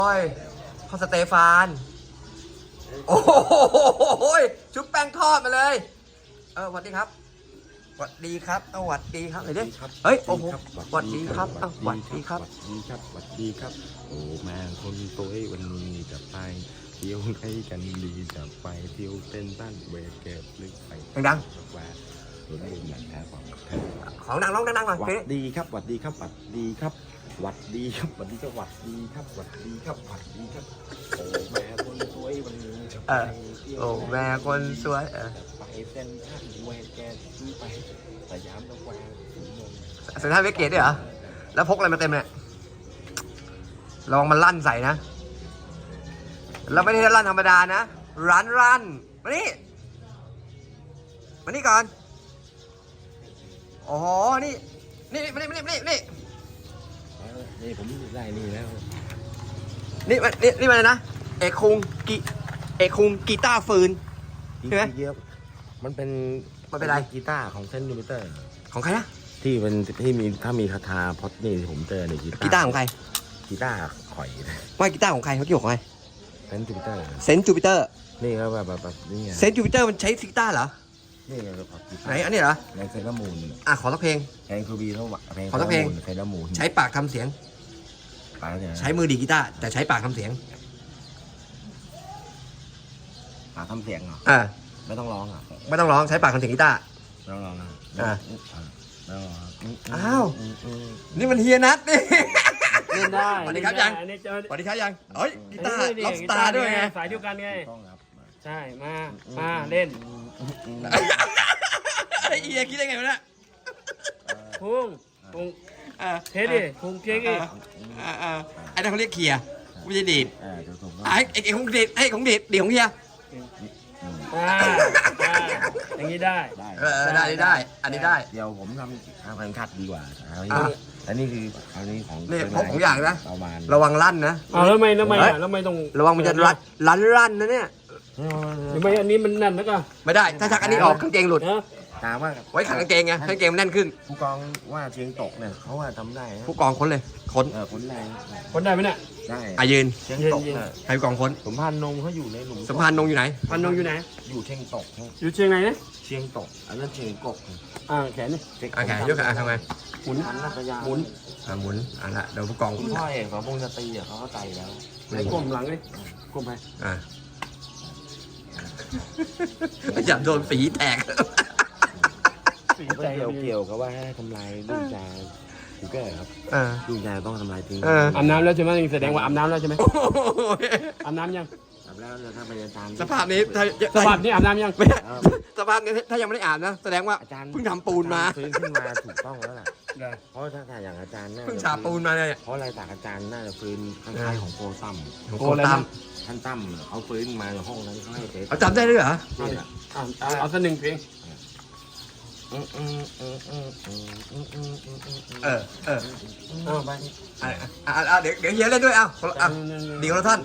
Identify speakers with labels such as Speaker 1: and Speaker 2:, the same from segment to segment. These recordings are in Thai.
Speaker 1: โอ้ยพ่อสเตฟานโอ้โหชุบแป้งทอดมาเลยสวัสดีครับสวัสดีครับสวัสดีครับไหนดิเฮ้ยโอ้โหสวัสดีครับสวัสดีครับ
Speaker 2: สวัสดีครับสวัสดีครับโอ้แม่คนตัววันนี้จะไปเที่ยวให้กันดีจะไปเที่ยวเต้นบ้านเวเก็บลึกไป
Speaker 1: ดัง
Speaker 2: ว่าตัวนี้หนังแท้
Speaker 1: ของดังร้องดังๆหน่อย
Speaker 2: สวัสดีครับสวัสดีครับสวัสดีครับสวัสดีครับสวัสดีครับสวัสดีครับสวัสดีครับสวัสดีครับโอ้แม่คนสวยวันนี้จะไปเที่ยว
Speaker 1: โอ้แม่คนสวย
Speaker 2: ไปเต้นบ้านเวเก็บซื้อไปสยามตะแควร์
Speaker 1: เซ็นทรัลเวสเกตด้วยเหรอแล้วพกอะไรมาเต็มเนี่ยลองมันลั่นใส่นะเราไม่ได้ลั่นธรรมดานะรันมานี่ก่อนโอ้โหนี่
Speaker 2: ผมได้นี่แล้ว
Speaker 1: นี่มันนะเอกคุงกีตาร์ฟืนใช่ไหม
Speaker 2: มันเป็น
Speaker 1: ไร
Speaker 2: กีตาร์ของเซนต์จูปิเตอร์
Speaker 1: ของใครนะ
Speaker 2: ที่มีถ้ามีคาถาพอดนี่ผมเจอใน
Speaker 1: กีตาร์ของใคร
Speaker 2: กีตาร์ข่อย
Speaker 1: ว่ากีตาร์ของใครเขาเกี่ยวกับใคร
Speaker 2: เซนต์จูปิเตอร์นี่ก็แบบนี่
Speaker 1: เซนต์จูปิเตอร์มันใช้กีตาร์เหรอ
Speaker 2: นี่ไง
Speaker 1: ไหนอันนี้เหรอ
Speaker 2: ในเซรามูน
Speaker 1: ขอสักเพลง
Speaker 2: เพลงคือบีเท่าเพลง
Speaker 1: ขอสักเพลง
Speaker 2: เซรามูน
Speaker 1: ใช้ปากทำเสียงใช้มือดีกีตาร์แต่ใช้ปากทำเสียง
Speaker 2: ปากทำเสียงเหรอไม่ต้องร้อง
Speaker 1: ไม่ต้องร้องใช้ปากทำเสียงกีตาร์
Speaker 2: ไม่ต้องร้อง
Speaker 1: อ้าวนี่มันเฮียนัทนี่
Speaker 3: เล่นได้
Speaker 1: สวัสดีครับยังสวัสดีครับยังเฮ้ยกีตาร์ล็อบสตาร์ด้วยไง
Speaker 3: สายเดียวกันไงใช่มาเล่น
Speaker 1: ไอ้เอียคิดได้ไงวะเนี่ย
Speaker 3: พุงเทสดิพุงเค้กดิ
Speaker 1: ไอ้นั่นเขาเรียกเคียร์ไม่ใช่ดีดไอ้ของดีดให้ของดีดของเฮีย
Speaker 3: อย่างนี้ได้
Speaker 1: ได้อันนี้ได้
Speaker 2: เดี๋ยวผมทำพันคัดดีกว่าอันนี้คืออันนี้ของ
Speaker 1: นี่พกของอย่างนะระวังลั่นนะ
Speaker 3: แล้วไม่ต้อง
Speaker 1: ระวังมันจะลั่นนะเนี่ย
Speaker 3: ไม่อันนี้มันนั่นแล้วก็
Speaker 1: ไม่ได้ถ้าชักอันนี้ออกกางเกงหลุด
Speaker 2: ถามว่า
Speaker 1: ไว้ขังกางเกงไงกางเกงมันแน่นขึ้น
Speaker 2: ผู้กองว่าเชียงตกเนี่ยเขาว่าทำได้
Speaker 1: ผู้กองค้นเลยค้น
Speaker 3: ได้ไหมเนี่ย
Speaker 2: ได้
Speaker 1: ยืน
Speaker 2: เชียงตก
Speaker 1: ให้ผู้กองค้น
Speaker 2: สมพันธ์นงเขาอยู่ในหลุม
Speaker 1: สมพันธ์นงอยู่ไหน
Speaker 3: พันธ์นงอยู่ไหน
Speaker 2: อยู่เชียงตก
Speaker 3: อยู่เชียงไหนเนี่ย
Speaker 2: เชียงตกอันนั้นเชียงกก
Speaker 3: แขนนี่
Speaker 1: แขนยกขาทำไม
Speaker 3: หมุน
Speaker 1: หมุนละเดี๋ยวผู้กอง
Speaker 2: พ่อเอกของพงษ์จะตีเขาเข้าใจแล้ว
Speaker 3: ก้มหลังเลยก้มไป
Speaker 1: อย่าโดนฝีแตก
Speaker 2: เกี่ยวกับว่าให้ทำลายลูกยาถูกแก่ครับลูกยาต้องทำลายทิ้ง
Speaker 3: อาบน้ำแล้วใช่ไหมแสดงว่าอาบน้ำแล้วใช่ไหมอาบน้ำยัง
Speaker 2: อาบแล้วถ้าไปอาจารย์
Speaker 1: สภาพนี้
Speaker 3: อาบน้ำยัง
Speaker 1: สภาพนี้ถ้ายังไม่ได้อาบนะแสดงว่าเพิ่งทำปูนมา
Speaker 2: ฟื้นขึ้นมาถูกต้องแล้วล่ะเพราะถ้าอย่างอาจารย์
Speaker 1: เพิ่งฉาบปูนมาเลย
Speaker 2: เพราะอะไรจากอาจารย์น่าจะฟื้นคล้ายๆของโกตั้มท่านตั้มเขาฟื้นมาในห้องนั้นเขาให้เทส
Speaker 1: เขาจำได้ด้วยเหรอ
Speaker 3: เอาสักหนึ่งเพลง
Speaker 1: ไปเดี๋ยวเฮียเล่นด้วยดีคนละท่อน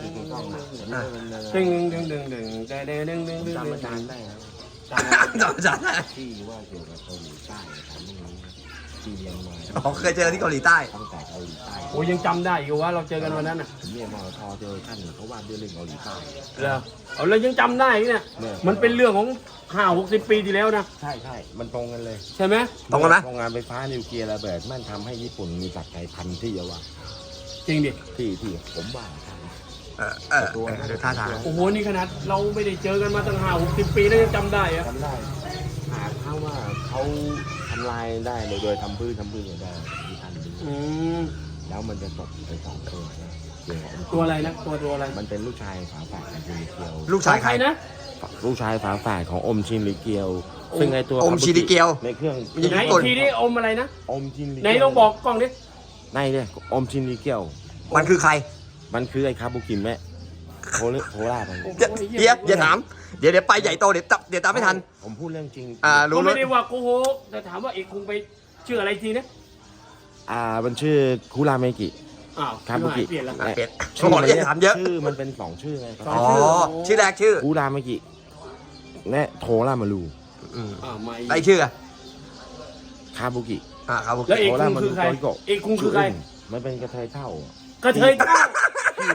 Speaker 2: จำอาจารย์ได้แล้ว
Speaker 1: จำอาจารย์ได้
Speaker 2: ที่ว่าเกี่ยวกับเกาหลีใต้ทำไม่รู้ที่เรียนมา
Speaker 1: เคยเจอที่เกาหลีใต้
Speaker 2: ตั้งแต่เกาหลีใต้
Speaker 3: โอ้ยังจำได้อยู่ว่าเราเจอกันวันนั้น
Speaker 2: ผมเรียนมอทเจอท่านเขาว่าด้วยเรื่องเกาหลีใต้
Speaker 3: เรายังจำได้เนี่ยมันเป็นเรื่องของ50-60 ปีที่แล้วนะ
Speaker 2: ใช่มันตรงกันเลย
Speaker 3: ใช่ไหม
Speaker 1: ตรงกันไหม
Speaker 2: โรงงานไฟฟ้านิวเคลียร์ระเบิดมันทำให้ญี่ปุ่นมีสักไก่พันธุ์ที่เยอะว่ะ
Speaker 3: จริงดิ
Speaker 2: ที่ผมว่า
Speaker 1: ตัวท่าทาง
Speaker 3: โอ้โหนี่ขนาดเราไม่ได้เจอกันมาตั้ง50-60 ปีแล้วยังจำได้อะ
Speaker 2: จำได้หากถ้าว่าเขาทำลายได้โดยทำพื้นก็ได้ที่ท่านดูแล้วมันจะตกไป2ตัว
Speaker 3: อะไรนะตัวอะไร
Speaker 2: มันเป็นลูกชายฝาแฝดของชินริเกียว
Speaker 1: ลูกชายใคร
Speaker 3: นะ
Speaker 2: ลูกชายฝาแฝดของอมชินริเกียวซึ่งไอตัว
Speaker 1: อมชินริเกียว
Speaker 2: ในเครื่อง
Speaker 3: ไหนทีนี้อมอะไรนะ
Speaker 2: อมชินริ
Speaker 3: ไหนลองบอกกล้องดิ
Speaker 2: ในเนี่ยอมชินริเกียว
Speaker 1: มันคือใคร
Speaker 2: มันคือไอคาบุกิแม่โคราช
Speaker 1: อย่าถามเดี๋ยวไปใหญ่โตเดี๋ยวตามไม่ทัน
Speaker 2: ผมพูดเรื่องจริง
Speaker 3: รู้ไม่ได้ว่าโกหกแต่ถามว่าเอกคงไปชื่ออะไรทีนะ
Speaker 2: มันชื่อคุราเมกิ
Speaker 3: คาบุกิ
Speaker 1: เปลี่ยนถามเยอะ
Speaker 2: ชื่อมันเป็น2ชื่อไง
Speaker 1: อ๋อชื่อแรกชื่อ
Speaker 2: คุราเมกิและโทรามารู
Speaker 1: ไอชื่อ
Speaker 2: คาบุกิ
Speaker 3: แล้วเอกคุงคือใครเอกคุงคือใคร
Speaker 2: มันเป็นกระเทยเท่า
Speaker 3: กระเทยเท่า
Speaker 2: ชื่อ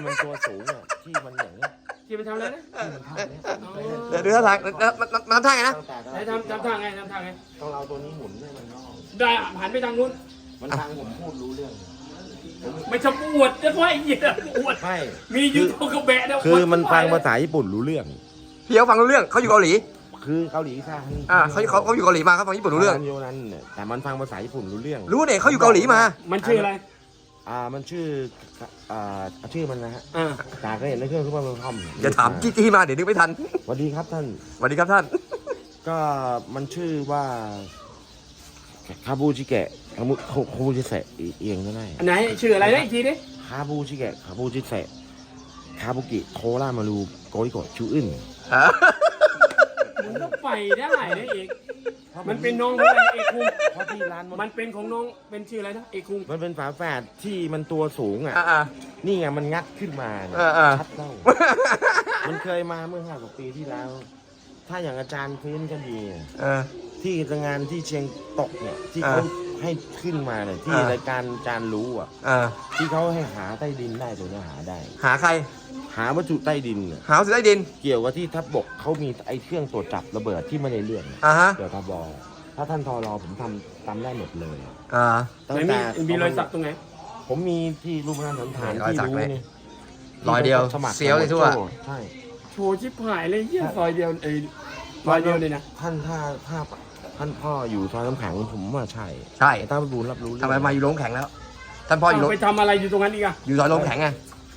Speaker 2: มันตัวสูงอ่ะที่มันอย่างเงี้ย
Speaker 3: ที่ไปทำอะไรนะ
Speaker 2: ที่มันท่าเนี้ย
Speaker 1: เดี๋ยวดูท่าทางมันทำท่าไงนะ
Speaker 2: ตั้งแต่
Speaker 3: ไหนทำท่าไงทำท่าไง
Speaker 2: ต้องเอาตัวนี้หมุนให้มันงอก
Speaker 3: ได้หันไปทางนู้น
Speaker 2: มันฟังผมพูดรู้เรื่อง
Speaker 3: ไม่ชอบอวดจะว่าไอ้เหี้ยอวด
Speaker 2: ไม่
Speaker 3: มียูทูบกระแบะนะ
Speaker 2: คือมันฟังภาษาญี่ปุ่นรู้เรื่อง
Speaker 1: พี่เขาฟังรู้เรื่องเขาอยู่เกาหลี
Speaker 2: คือเกาหลีค่ะ
Speaker 1: เขาอยู่เกาหลีมาเขาฟังญี่ปุ่นรู้เรื่อง
Speaker 2: โยนั้นเนี่ยแต่มันฟังภาษาญี่ปุ่นรู้เรื่อง
Speaker 1: รู้เนี่ยเขาอยู่เกาหลีมา
Speaker 3: มันชื่ออะไร
Speaker 2: มันชื่อชื่อมันนะฮะ
Speaker 3: อ่า
Speaker 2: ตาก็เห็นในเครื่องซุปเปอร์คอม
Speaker 1: อย่าถามจี้มาเดี๋ยวนึกไม่ทัน
Speaker 2: สวัสดีครับท่าน
Speaker 1: สวัสดีครับท่าน
Speaker 2: ก็มันชื่อว่าคาบูชิเกะคาบูชิเซะเอียงก็ได้
Speaker 3: อันไหนชื่ออะไรนะอีกทีดิ
Speaker 2: คาบูชิเกะคาบูชิเซะคาบุกิโครามารูโกริโกะชูอึน
Speaker 3: มันก็ไปได้นะเอกมันเป็นน้องของอะไรเอกคุง
Speaker 2: เพราะที่ร้าน
Speaker 3: มันเป็นของน้องเป็นชื่ออะไรนะเอกคุง
Speaker 2: มันเป็นฝาแฝดที่มันตัวสูงอ่ะ
Speaker 1: อ่า
Speaker 2: นี่ไงมันงัดขึ้นมาเนี่ย ชัดเล่ามันเคยมาเมื่อ5 กว่าปีที่แล้ว ถ้าอย่างอาจารย์พื้นก็ดีอะ ที่งานที่เชียงตกเนี่ยที่เขาให้ขึ้นมาเนี่ยที่รายการอาจารย์รู้อ่ะที่เขาให้หาใต้ดินได้ตัวเนี้ยหาได้
Speaker 1: หาใคร
Speaker 2: หาวัตถุใต้ดินเนี่ย
Speaker 1: หาสุดใต้ดิน
Speaker 2: เกี่ยวกับที่ทัพบกเขามีไอ้เครื่องตรวจจับระเบิดที่ไม่ได้เรื่อง
Speaker 1: ฮะ
Speaker 2: เกี่ยวกับบถ้าท่านทอรอผมทำได้หมดเลย ตั้ง
Speaker 3: ไหน
Speaker 2: แต่
Speaker 3: มีรอยสักตรงไหน
Speaker 2: ผมมีที่รูปพระสันฐาน
Speaker 1: รอย
Speaker 2: ที่
Speaker 1: สัก
Speaker 2: รู้
Speaker 1: เลย
Speaker 2: นี่
Speaker 1: รอยเดียว
Speaker 2: สมัคร
Speaker 1: เสียวเลยทั่ว
Speaker 2: ใช่
Speaker 3: โชว์ชิบหายเลยเหี้ยซอยเดียวซอยเดียวเลยนะ
Speaker 2: ท่านถ้าท่านพ่ออยู่ซอยน้ำแข็งผมว่าใช่
Speaker 1: ใช่
Speaker 2: แต่ถ้าบูญรับรู้เรื่อง
Speaker 1: ทำไมมาอยู่โรงแข็งแล้ว ท่านพ่ออยู่โรง
Speaker 3: ไปทำอะไรอยู่ตรงนั้นอีกอะ
Speaker 1: อยู่ซอยโรงแข็งไง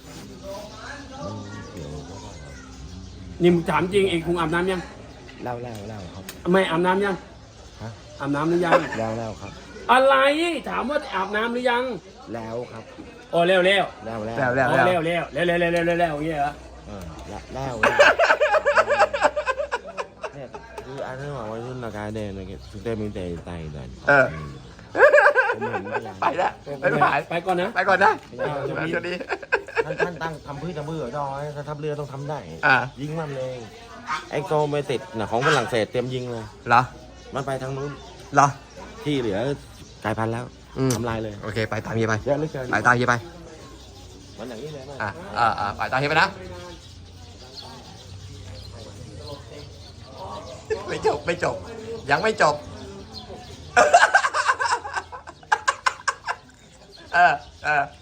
Speaker 2: เกี่ยวกับ
Speaker 3: นี่มึงถามจริงเอกคุงอาบน้ำยัง
Speaker 2: เล่าครับ
Speaker 3: ไม่อาบน้ำยัง
Speaker 2: ฮะ
Speaker 3: อาบน้ำหรือยัง
Speaker 2: เล่าครับ
Speaker 3: อะไรถามว่าอาบน้ำหรือยัง
Speaker 2: แล้วครับ
Speaker 3: โอ้เร็วเร็ว
Speaker 2: แล้ว
Speaker 1: แล้ว
Speaker 3: เร็วเร็วเร็วเร็วเร็วเร็วเร็วเร็วเร็วอย่างเงี้ยเหรอ
Speaker 2: แล้วเนี่ยคืออันนั้นบอกว่ารุ่นนากาเดนนะสุดเต็มมีแต่ไตนั่นผมเห็นมาอย่าง
Speaker 1: ไปแล้วไม่ผ่าน
Speaker 3: ไปก่อนนะ
Speaker 1: ไปก่อนนะ
Speaker 3: สวัสดี
Speaker 1: สวัสดี
Speaker 2: ท่านตั้งทำพื้นทำเบื่อดอยถ้าทัพเรือต้องทำได้
Speaker 1: อ่า
Speaker 2: ยิงมันเลยไอโกเมติดนะของฝรั่งเศสเตรียมยิงเลย
Speaker 1: เหรอ
Speaker 2: มันไปทางนู้น
Speaker 1: เหรอ
Speaker 2: ที่เหลือกลายพันธุ์แล้วทำลายเลย
Speaker 1: โอเค ไปตามเฮียไป
Speaker 2: เยอะเหลือเกิน
Speaker 1: ไปตามเฮียไป
Speaker 2: มันอย่างนี้เลยมั้ย
Speaker 1: ไปตามเฮียไปนะ ไม่จบ ยังไม่จบ เออ